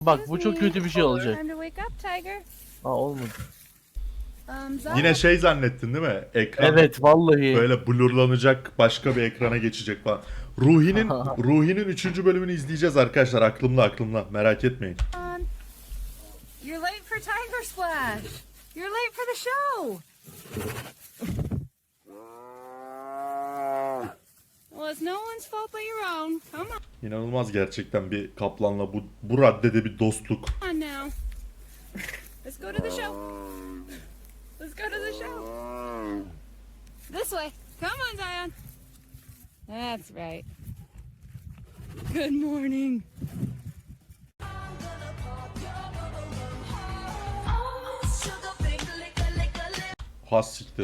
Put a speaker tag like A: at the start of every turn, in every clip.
A: Bak bu çok kötü bir şey olacak. Aa olmadı.
B: Yine şey zannettin değil mi? Ekran
A: Evet vallahi.
B: böyle blurlanacak, başka bir ekrana geçecek falan. Ruhi'nin 3. bölümünü izleyeceğiz arkadaşlar. Aklımda. Merak etmeyin.
C: You're late for Tiger Splash. You're late for the show. Well, it's no one's fault but your own. Come
B: İnanılmaz gerçekten bir kaplanla bu raddede bir dostluk.
C: on now. Let's go to the show. Let's go to the show. This way. Come on, Zion. That's right. Good morning.
B: Has siktir.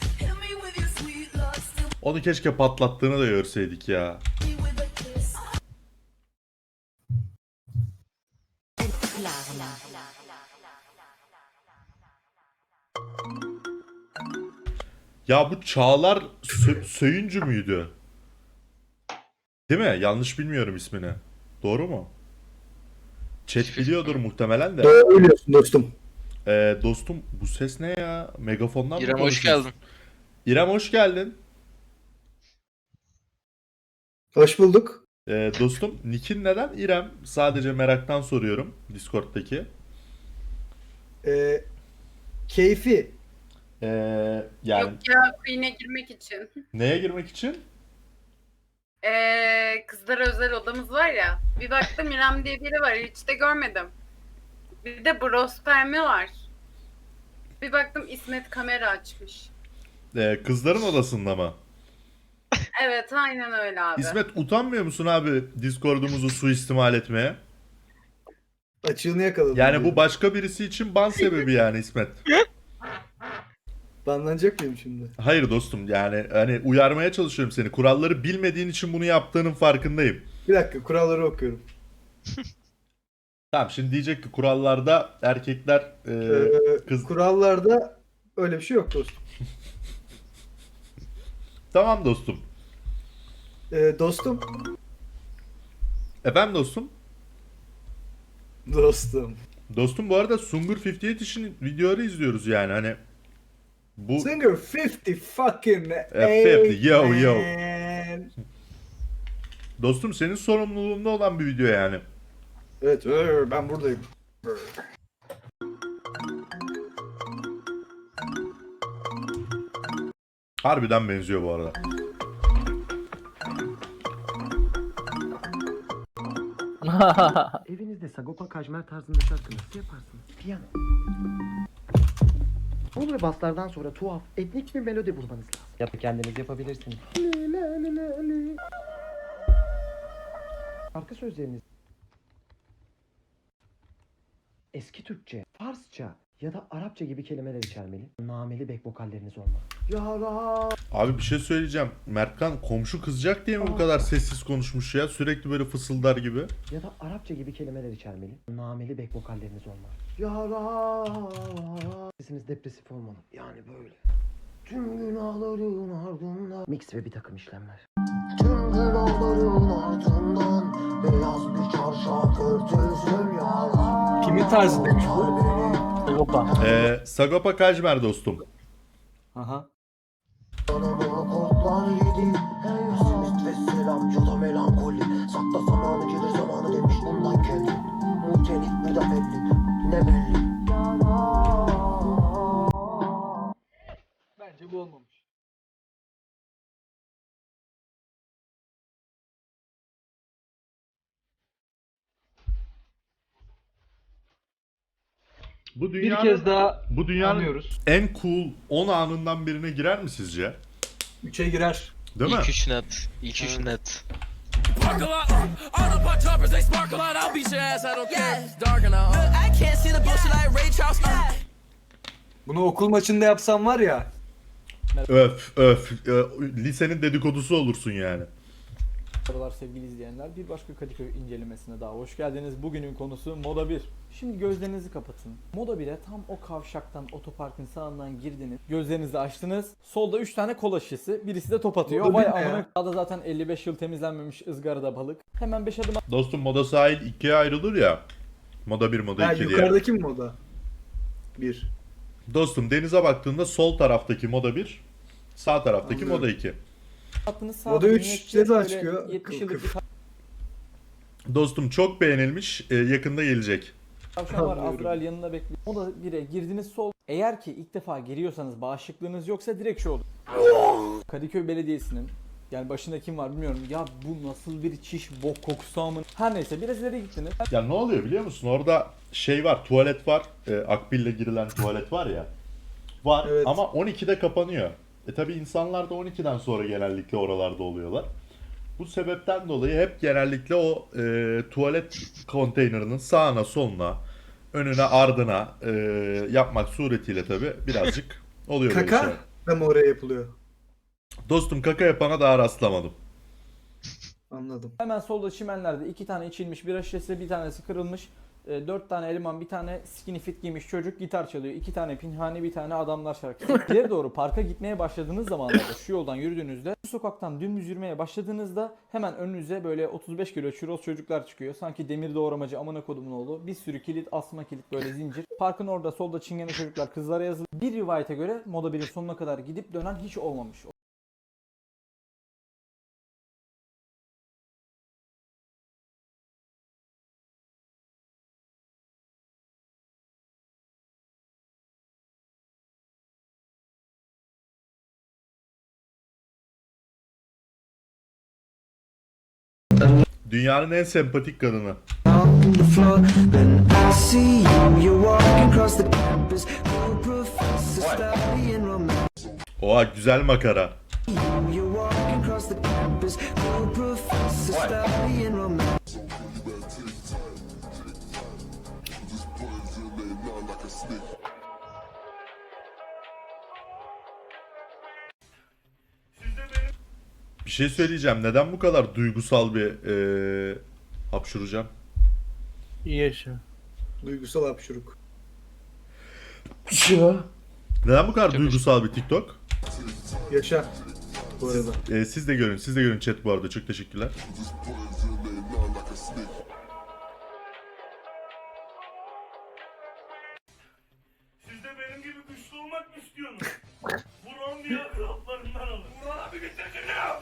B: Onu keşke patlattığını da görseydik ya. Ya bu Çağlar Söyüncü müydü? Değil mi? Yanlış bilmiyorum ismini. Doğru mu? Chat biliyordur muhtemelen de.
D: Doğru biliyorsun dostum.
B: Dostum bu ses ne ya? Megafondan mı
E: İrem hoş
B: konuşuyorsun?
E: geldin.
B: İrem hoş geldin.
D: Hoş bulduk.
B: Dostum Nick'in neden İrem? Sadece meraktan soruyorum Discord'daki.
D: Keyfi.
B: Yani
F: Yok ya, Queen'e girmek için.
B: neye girmek için?
F: Kızlara özel odamız var ya. Bir baktım İrem diye biri var. Hiç de görmedim. Bir de Brospermi var. Bir baktım İsmet kamera açmış.
B: Kızların odasında mı?
F: Evet, aynen öyle abi.
B: İsmet utanmıyor musun abi Discord'umuzu suistimal etmeye?
D: Açığını yakaladım.
B: Yani bu başka birisi için ban sebebi yani İsmet.
D: Banlanacak mıyım şimdi?
B: Hayır dostum yani hani uyarmaya çalışıyorum seni. Kuralları bilmediğin için bunu yaptığının farkındayım.
D: Bir dakika kuralları okuyorum.
B: Tamam şimdi diyecek ki kurallarda erkekler kız...
D: Kurallarda öyle bir şey yok dostum.
B: Tamam dostum.
D: Dostum.
B: Efendim dostum?
D: Dostum.
B: Dostum bu arada Sungur 58 için videoları izliyoruz yani hani bu
D: Singer 50 fucking
B: 50, yo, yo.
D: man.
B: dostum senin sorumluluğunda olan bir video yani.
D: Evet ben buradayım.
B: Harbiden benziyor bu arada.
G: Evinizde Sagopa Kajmer tarzında şarkı nasıl yaparsınız? Piyano. Sol ve baslardan sonra tuhaf, etnik bir melodi bulmanız lazım. Ya da kendiniz yapabilirsiniz. Şarkı sözleriniz eski Türkçe, Farsça ya da Arapça gibi kelimeler içermeli. Nameli back vokalleriniz olmalı. Yara.
B: Abi bir şey söyleyeceğim. Mertkan komşu kızacak diye mi bu kadar sessiz konuşmuş ya? Sürekli böyle fısıldar gibi.
G: Ya da Arapça gibi kelimeler içermeli. Nameli back vokalleriniz olmalı. Yara. Sesiniz depresif olmalı. Yani böyle. Tüm günahların ardından. Mix ve bir takım işlemler. Tüm günahların ardından beyaz bir çarşaf örtülsün yara.
D: Kimin tarzı demiş bu?
A: Sagopa.
B: Sagopa Kajmer dostum.
D: Aha.
G: Anamı kodlar yedi. Hey simit ve selamcı melankoli. Sakla zamanı gelir zamanı demiş bundan kendi. Muhtelik bir da belli. Ne belli.
D: Bence bu olmamış.
B: Bu
H: Bir
B: dünyanın,
H: kez daha
B: bu dünyanın
H: anlıyoruz.
B: en cool 10 anından birine girer mi sizce?
D: 3'e girer.
B: Değil mi?
E: İlk üç net. İlk üç net.
H: Bunu okul maçında yapsam var ya.
B: Öf. Lisenin dedikodusu olursun yani.
I: Merhabalar sevgili izleyenler. Bir başka Kadıköy incelemesine daha hoş geldiniz. Bugünün konusu Moda 1. Şimdi gözlerinizi kapatın. Moda 1'e tam o kavşaktan, otoparkın sağından girdiniz. Gözlerinizi açtınız. Solda 3 tane kola şişesi. Birisi de top atıyor.
D: Moda
I: Vay
D: 1 ne ya?
I: amına. Sağda zaten 55 yıl temizlenmemiş ızgarada balık. Hemen 5 adım
B: Dostum Moda Sahil ikiye ayrılır ya. Moda 1, Moda
D: Ha
B: 2 diye.
D: yukarıdaki mi moda? 1.
B: Dostum denize baktığında sol taraftaki Moda 1, sağ taraftaki
D: Anlıyorum.
B: Moda 2.
I: Hattınız sağ
D: Moda 3
I: emniyetçi,
D: ne zaman
I: böyle
D: çıkıyor?
I: 70
D: Kıf
I: yıllık bir
D: kıf.
B: Dostum çok beğenilmiş. Yakında gelecek.
I: tavşan var.
D: Anlıyorum.
I: Azrail yanında bekliyor. Moda 1'e girdiniz sol. Eğer ki ilk defa giriyorsanız bağışıklığınız yoksa direkt şu olur. Kadıköy Belediyesi'nin yani başında kim var bilmiyorum. Ya bu nasıl bir çiş bok kokusu amın. Her neyse biraz ileri gittiniz.
B: Ya ne oluyor biliyor musun? Orada şey var, tuvalet var. Akbil'le girilen tuvalet var ya. Var
D: Evet.
B: ama 12'de kapanıyor. Tabi insanlar da 12'den sonra genellikle oralarda oluyorlar. Bu sebepten dolayı hep genellikle o tuvalet konteynerinin sağına soluna, önüne ardına yapmak suretiyle tabi birazcık oluyor böyle
D: Kaka
B: şeyler.
D: da mı oraya yapılıyor?
B: Dostum kaka yapana daha rastlamadım.
D: Anladım.
I: Hemen solda çimenlerde 2 tane içilmiş bira şişesi, bir tanesi kırılmış. 4 tane eleman, bir tane skinny fit giymiş çocuk gitar çalıyor. 2 tane pinhani, bir tane adamlar şarkısı. İleri doğru parka gitmeye başladığınız zamanlarda şu yoldan yürüdüğünüzde, şu sokaktan dümdüz yürümeye başladığınızda hemen önünüze böyle 35 kilo çuroz çocuklar çıkıyor. Sanki demir doğramacı amına kodumun oğlu. Bir sürü kilit, asma kilit böyle zincir. Parkın orada solda çingene çocuklar kızlara yazılı. Bir rivayete göre Moda 1'in sonuna kadar gidip dönen hiç olmamış.
B: Dünyanın en sempatik kadını. Oha güzel makara. Bir şey söyleyeceğim. Neden bu kadar duygusal bir hapşuracağım?
A: İyi yaşa.
D: Duygusal hapşuruk.
B: Neden bu kadar duygusal bir TikTok?
D: Yaşa. Bu arada.
B: Siz de görün, siz de görün chat bu arada. Çok teşekkürler.
J: Siz de benim gibi güçlü olmak mı istiyorsunuz? Buran diye raplarından alın. Buran abi bitirdin ya.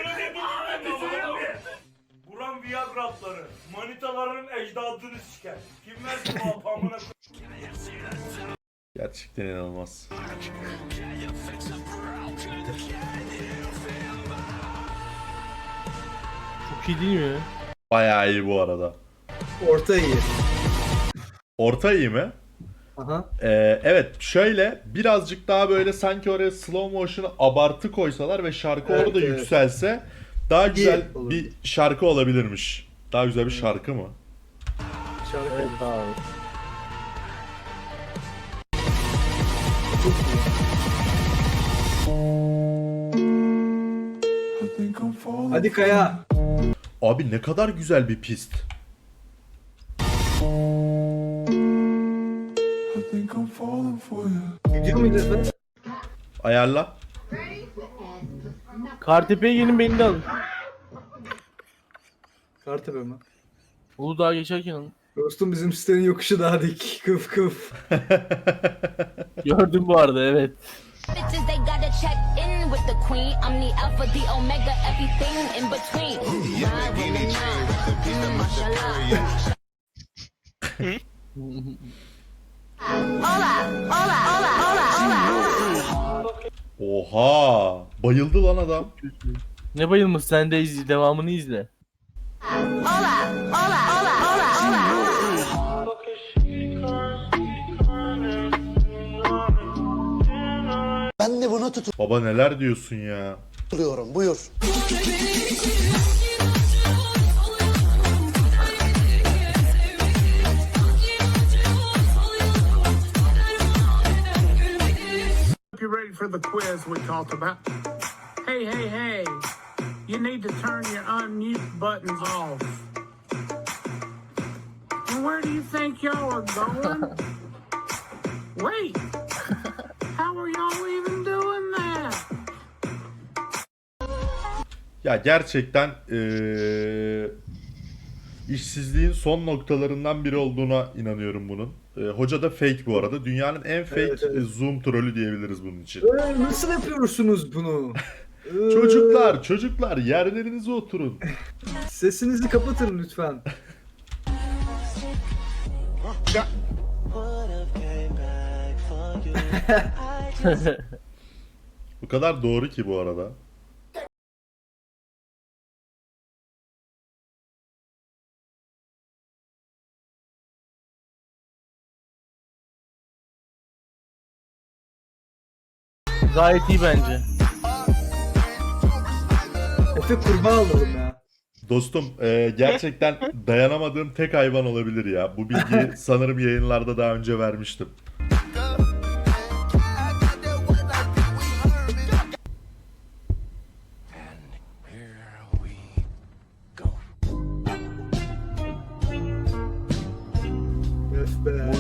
J: Buran Viagra'ları, manitaların ecdadını siker. Kim versin bu apamına?
B: Gerçekten inanılmaz.
A: Çok iyi değil mi?
B: Bayağı iyi bu arada.
D: Orta iyi.
B: Orta iyi mi?
D: Aha.
B: Evet şöyle birazcık daha böyle sanki oraya slow motion'ı abartı koysalar ve şarkı
D: Evet,
B: orada
D: evet.
B: yükselse daha güzel
D: olur.
B: bir şarkı olabilirmiş. Daha güzel bir şarkı mı?
D: Şarkı.
A: Evet abi.
D: Hadi Kaya.
B: Abi ne kadar güzel bir pist.
D: Gidiyor muydu efendim?
B: Ayarla.
A: Kartepe'ye gelin beni de alın.
D: Kartepe mi?
A: Uludağ'a geçerken alın.
D: Dostum bizim sitenin yokuşu daha dik. Kıf kıf.
A: Gördüm bu arada evet.
C: Bitches, they gotta check in with the queen. I'm the alpha, the omega, everything in between. Ride with the nine. Mashallah. Hola, hola, hola, hola, hola.
B: Oha! Bayıldı lan adam.
A: Ne bayılmış, sen de izle, devamını izle.
C: Hola, hola, hola, hola, hola.
G: Ben de buna
B: Baba neler diyorsun ya?
G: tutuluyorum. Buyur.
J: You ready for the quiz we talked about? Hey, hey, hey. You need to turn your unmute buttons off. And where do you think y'all are going? Wait. How are y'all even doing that?
B: Ya gerçekten işsizliğin son noktalarından biri olduğuna inanıyorum bunun. Hoca da fake bu arada. Dünyanın en fake
D: Evet, evet.
B: Zoom trolü diyebiliriz bunun için.
D: Nasıl yapıyorsunuz bunu?
B: Çocuklar yerlerinize oturun.
D: Sesinizi kapatın lütfen.
B: Bu kadar doğru ki bu arada.
A: Gayet iyi bence.
D: Efe kurbağa alalım ya.
B: Dostum gerçekten dayanamadığım tek hayvan olabilir ya. Bu bilgiyi sanırım yayınlarda daha önce vermiştim.
D: Öf be.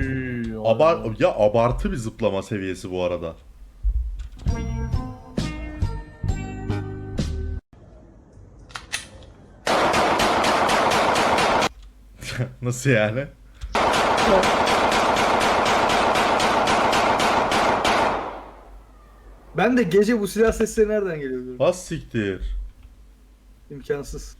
B: Abartı bir zıplama seviyesi bu arada. Nasıl yani?
D: Ben de gece bu silah sesleri nereden geliyor diyorum.
B: Has siktir.
D: İmkansız.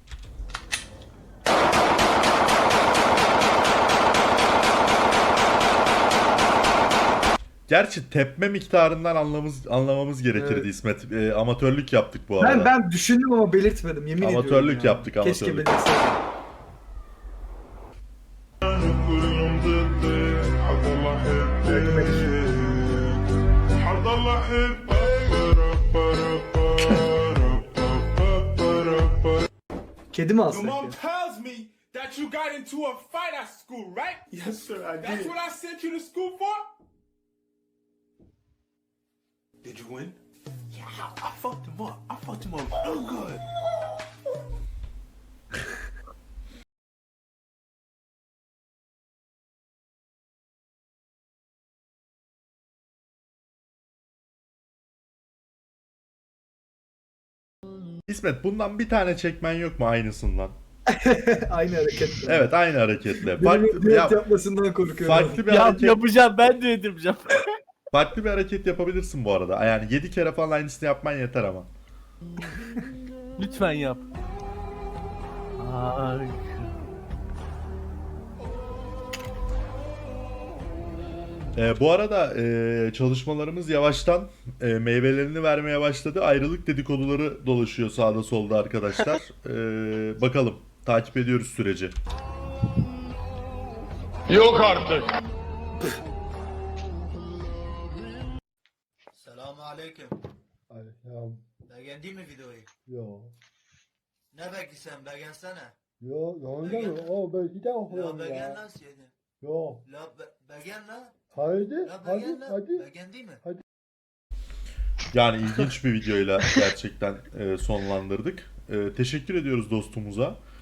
B: Gerçi tepme miktarından anlamamız gerekirdi
D: Evet.
B: İsmet. Amatörlük yaptık bu arada.
D: Ben düşündüm ama belirtmedim yemin ediyorum.
B: Amatörlük
D: ya.
B: yaptık,
D: Keşke
B: amatörlük.
D: belirtseydim. Kedi mi alsak ya?
J: tells me that you got into a fight at school, right? Yes, sir, I did. That's what I sent you to school for? Did you win? Yeah, I fucked him up. I fucked him up real good.
B: İsmet bundan bir tane çekmen yok mu aynısından?
D: Aynı hareket.
B: Evet aynı hareketle.
D: Benim düet
B: Yap-
D: yapmasından korkuyorum.
B: farklı bir
A: Ya,
B: hareket,
A: yapacağım, ben de edeceğim.
B: farklı bir hareket yapabilirsin bu arada. Yani 7 kere falan aynısını yapman yeter ama.
A: Lütfen yap. Ay.
B: Bu arada çalışmalarımız yavaştan meyvelerini vermeye başladı. Ayrılık dedikoduları dolaşıyor sağda solda arkadaşlar. Bakalım takip ediyoruz süreci.
J: Yok artık.
G: Selamun aleyküm.
K: Aleyküm.
G: Beğendin mi videoyu?
K: Yo.
G: Ne bekliyorsun? Beğensene.
K: Yo, yanında mı? O ben bir daha
G: La
K: okuyorum
G: beğen
K: ya.
G: lan seni.
K: Yo.
G: La beğen lan.
K: Haydi,
G: La
K: hadi,
G: beğen lan.
K: hadi.
G: Beğendin mi?
B: Yani ilginç bir videoyla gerçekten sonlandırdık. Teşekkür ediyoruz dostumuza.